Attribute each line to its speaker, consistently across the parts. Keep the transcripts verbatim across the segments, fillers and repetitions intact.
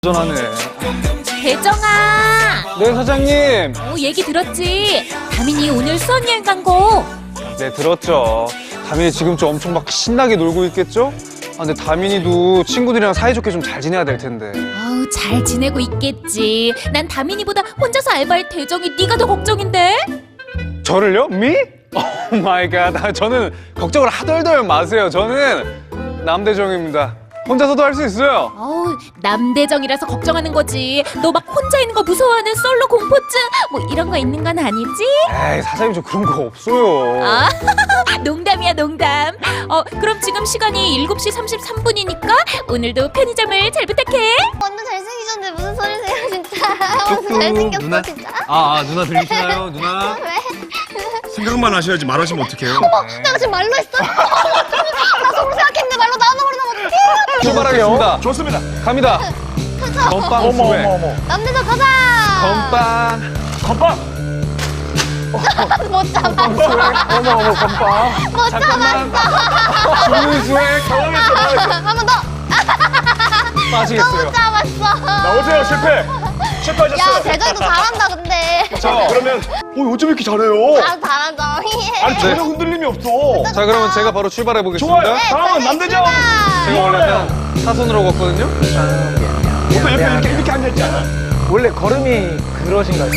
Speaker 1: 전하네.
Speaker 2: 대정아!
Speaker 1: 네, 사장님.
Speaker 2: 어, 얘기 들었지? 다민이 오늘 수학여행 간 거.
Speaker 1: 네, 들었죠. 다민이 지금 좀 엄청 막 신나게 놀고 있겠죠? 아, 근데 다민이도 친구들이랑 사이좋게 좀 잘 지내야 될 텐데.
Speaker 2: 아우, 잘 지내고 있겠지. 난 다민이보다 혼자서 알바할 대정이 네가 더 걱정인데?
Speaker 1: 저를요? 미? 오 마이 갓. 아, 저는 걱정을 하덜덜 마세요. 저는 남대정입니다. 혼자서도 할 수 있어요.
Speaker 2: 어우, 남대정이라서 걱정하는 거지. 너 막 혼자 있는 거 무서워하는 솔로 공포증 뭐 이런 거 있는 건 아니지?
Speaker 1: 에이, 사장님 저 그런 거 없어요.
Speaker 2: 아, 농담이야, 농담. 어, 그럼 지금 시간이 일곱 시 삼십삼 분이니까 오늘도 편의점을 잘 부탁해.
Speaker 3: 완전 잘생기셨는데 무슨 소리세요 진짜. 완전 잘생겼어
Speaker 4: 누나?
Speaker 3: 진짜.
Speaker 4: 아, 아 누나 들리시나요? 누나?
Speaker 3: 왜?
Speaker 4: 생각만 하셔야지 말하시면 어떡해요?
Speaker 3: 어머 내가 지금 말로 했어? 나 속으로 생각했는데 말로 나눠버리면 어떡해.
Speaker 1: 출발하겠습니다.
Speaker 4: 좋습니다.
Speaker 1: 갑니다. 건빵 수백.
Speaker 3: 남대서 가자.
Speaker 1: 건빵.
Speaker 4: 건빵!
Speaker 3: 못 잡았어.
Speaker 1: 어머, 어머, 건빵.
Speaker 3: 못
Speaker 1: 잠깐만.
Speaker 3: 잡았어.
Speaker 1: 주문 수백.
Speaker 4: 당황했어, 당황했어.
Speaker 3: 한 번 더.
Speaker 1: 빠지겠어요.
Speaker 3: 못 잡았어.
Speaker 4: 나오세요, 실패! 실패하셨어요.
Speaker 3: 야 대전이도 잘한다 근데.
Speaker 4: 자, 그러면, 어, 어쩜 이렇게 잘해요?
Speaker 3: 아 잘한다.
Speaker 4: 아니, 전혀 흔들림이 없어.
Speaker 1: 자, 그러면 제가 바로 출발해 보겠습니다.
Speaker 4: 좋아요. 다음은 남대정!
Speaker 1: 제가 원래 그냥 사선으로 걷거든요.
Speaker 4: 보통 옆에 이렇게, 이렇게 앉아있지 않아?
Speaker 5: 원래 걸음이 그러신가요?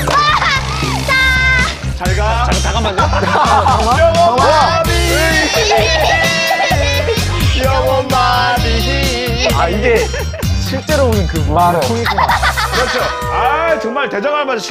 Speaker 4: 잘 가.
Speaker 1: 잠깐만요.
Speaker 4: 영원 마비기.
Speaker 5: 아 이게 실제로 보는 그 말은 통이구나.
Speaker 4: 그렇죠. 아, 정말 대장할 만한